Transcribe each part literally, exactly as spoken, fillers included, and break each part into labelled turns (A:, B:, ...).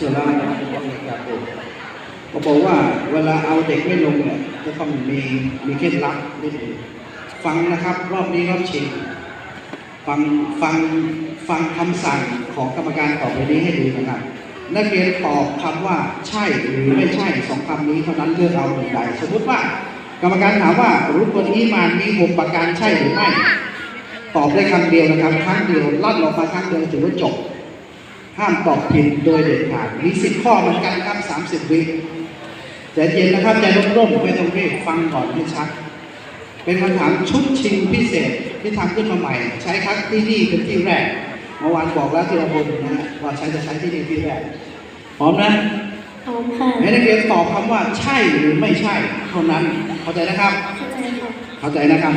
A: สุรานะจากโบเขาบอกว่าเวลาเอาเด็กไม่ลงเนี่ยจะต้องมีมีเคล็ดลับนิดนึงฟังนะครับรอบนี้รอบชิงฟังฟังฟังคำสั่งของกรรมการต่อไปนี้ให้ดีนะครับนักเรียนตอบคำว่าใช่หรือไม่ใช่สองคำนี้เท่านั้นเลือกเอาหนึ่งใดสมมติว่ากรรมการถามว่ารุกนอีมานมีหกประการใช่หรือไม่ตอบได้คำเดียวนะครับครั้งเดียวลั่นออกมาครั้งเดียวถือว่าจบห้ามตอบผิดโดยเด็ดขาดมีสิบข้อเหมือนกันครับสามสิบวิใจเย็นนะครับใจร่มๆไม่ต้องรีบฟังก่อนให้ชัดเป็นคำถามชุดชิงพิเศษที่ทำขึ้นมาใหม่ใช้ครั้งที่นี่เป็นที่แรกเมื่อวานบอกแล้วที่เราบอกนะว่าใช้จะใช้ที่นี่ที่แรกพร้อมนะ
B: พร้อมค่ะ
A: ให้นักเรียนตอบคำว่าใช่หรือไม่ใช่เท่านั้นเข้าใจนะครับ
B: เข้าใจค่ะ
A: เข้าใจนะครับ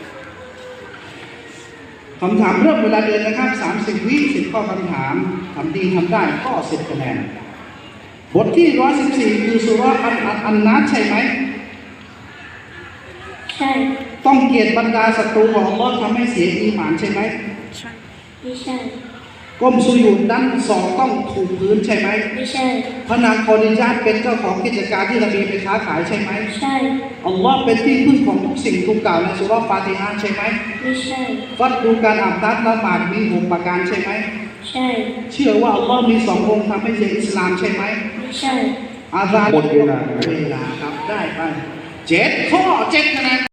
A: คำถามเริ่มเวลาเดินนะครับสามสิบวิสิบข้อคำถามทำดีทำได้ข้อสิบคะแนนบทที่ร้อยสิบสี่คือสุราอันอันอันนัดใช่ไหม
B: ใช่
A: ต้องเกลียดบรรดาศัตรูของอัลเลาะห์ทำให้เสียอีหม่านใช่ไหม
B: ไม่ใช่
A: ก้มสุญูดด้านศอกต้องถูกพื้นใช่ไหม
B: ไม่ใช่
A: พระนางคอดิญาตเป็นเจ้าของกิจการที่นบีไปค้าขายใช่ไหม
B: ใช่
A: อัลลอฮ์เป็นที่พึ่งของทุกสิ่งทุกกล่าวในสุราฟาติฮะห์ใช่ไหม
B: ไม่ใช่
A: ฟัดดูการอาบน้ำละหมาดมีหกประการใช่ไหม
B: ใช่
A: เชื่อว่าอัลลอฮ์มีสององค์ทำให้เสียอิสลามใช่ไหม
B: ไม่ใช่
A: อาซาหมดเวลาเวลาครับได้ไปเจ็ดข้อเจ็ดคะแนน